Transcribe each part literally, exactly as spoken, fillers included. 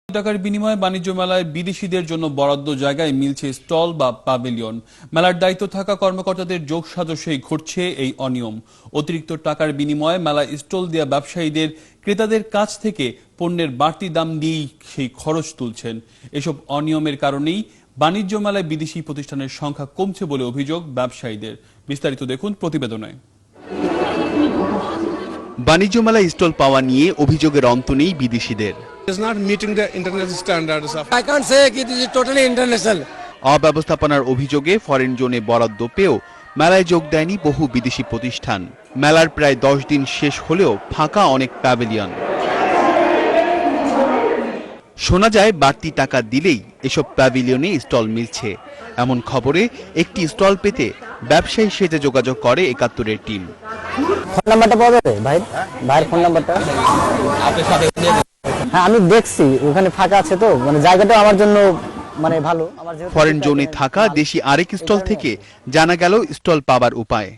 টাকার বিনিময়ে বাণিজ্য মেলায় বিদেশিদের জন্য বরাদ্দ জায়গায় মিলছে স্টল বা প্যাভিলিয়ন। মেলার দায়িত্ব থাকা কর্মকর্তাদের যোগ সাজসেই ঘটছে এই অনিয়ম। অতিরিক্ত টাকার বিনিময়ে মেলায় স্টল দেওয়া ব্যবসায়ীদের ক্রেতাদের কাছ থেকে পণ্যের বাড়তি দাম দিয়েই সেই খরচ তুলছেন। এসব অনিয়মের কারণেই বাণিজ্য মেলায় বিদেশি প্রতিষ্ঠানের সংখ্যা কমছে বলে অভিযোগ ব্যবসায়ীদের। বিস্তারিত দেখুন প্রতিবেদনে। বাণিজ্য মেলায় স্টল পাওয়া নিয়ে অভিযোগের অন্ত নেই বিদেশিদের। It's not meeting the international standards of I can't say it is totally international. অব্যবস্থাপনার অভিযোগে ফরেন জোনে বরাদ্দ পেয়েও মেলায় যোগ দেয়নি বহু বিদেশি প্রতিষ্ঠান। মেলার প্রায় দশ দিন শেষ হলেও ফাঁকা অনেক প্যাভিলিয়ন। শোনা যায় বাড়তি টাকা দিলেই এসব প্যাভিলিয়নে স্টল মিলছে। এমন খবরে একটি স্টল পেতে ব্যবসায়ী সেজে যোগাযোগ করে একাত্তরের টিম। ফোন নাম্বারটা পাওয়া যাবে ভাই? ভাইয়ের ফোন নাম্বারটা? হ্যাঁ, আমি দেখছি ওখানে ফাঁকা আছে, তো মানে জায়গাটা আমার জন্য মানে ভালো। আমার যেহেতু ফরেন জোনে থাকা দেশি আরেক স্টল থেকে জানা গেল স্টল পাবার উপায়।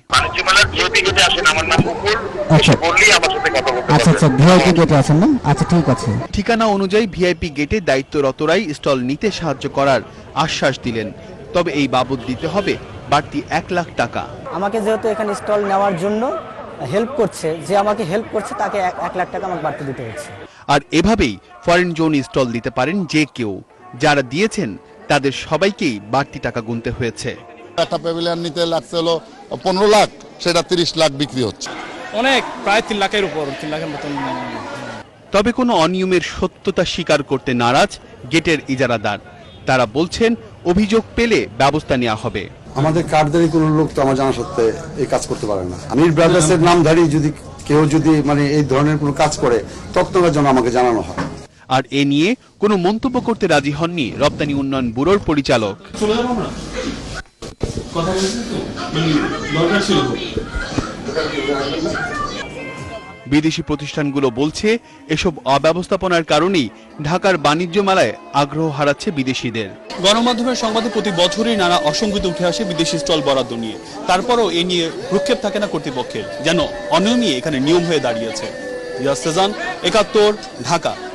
আচ্ছা আচ্ছা, ভিআইপি গেটে আছেন না? আচ্ছা ঠিক আছে। ঠিকানা অনুযায়ী ভিআইপি গেটে দায়িত্বরতরাই স্টল নিতে সাহায্য করার আশ্বাস দিলেন। তবে এই বাবদ দিতে হবে বাড়তি এক লাখ টাকা। আমাকে যেহেতু এখানে স্টল নেওয়ার জন্য হেল্প করছে, যে আমাকে হেল্প করছে তাকে এক লাখ টাকা আমাকে বাড়তি দিতে হচ্ছে। আর এভাবেই ফরেন জোন স্টল দিতে পারেন যে কেউ। যারা দিয়েছেন তাদের সবাইকেই বাড়তি টাকা গুনতে হয়েছে। একটা প্যাভিলিয়ন নিতে লাগছে হলো পনেরো লাখ, সেটা তিরিশ লাখ বিক্রি হচ্ছে। অনেক প্রায় তিন লাখের উপর, তিন লাখের মতন। তবে কোনো অনিয়মের সত্যতা স্বীকার করতে নারাজ গেটের ইজারাদার। তারা বলছেন অভিযোগ পেলে ব্যবস্থা নেওয়া হবে। আমাদের কার্ডধারী কোনো লোক তো আমার জানা সত্ত্বে এই কাজ করতে পারে না। আমির ব্রাদার্সের নামধারী যদি কেউ যদি মানে এই ধরনের কোনো কাজ করে তৎক্ষণাৎ যেন আমাকে জানানো হয়। আর এ নিয়ে কোনো মন্তব্য করতে রাজি হননি রপ্তানি উন্নয়ন ব্যুরোর পরিচালক। বিদেশি প্রতিষ্ঠানগুলো বলছে এসব অব্যবস্থাপনার কারণেই ঢাকার বাণিজ্য মেলায় আগ্রহ হারাচ্ছে বিদেশিদের। গণমাধ্যমের সংবাদে প্রতি বছরই নানা অসঙ্গতি উঠে আসে বিদেশি স্টল বরাদ্দ নিয়ে। তারপরও এ নিয়ে ভ্রুক্ষেপ থাকে না কর্তৃপক্ষের, যেন অনিয়মই এখানে নিয়ম হয়ে দাঁড়িয়েছে। রিয়াজ সেজান, একাত্তর, ঢাকা।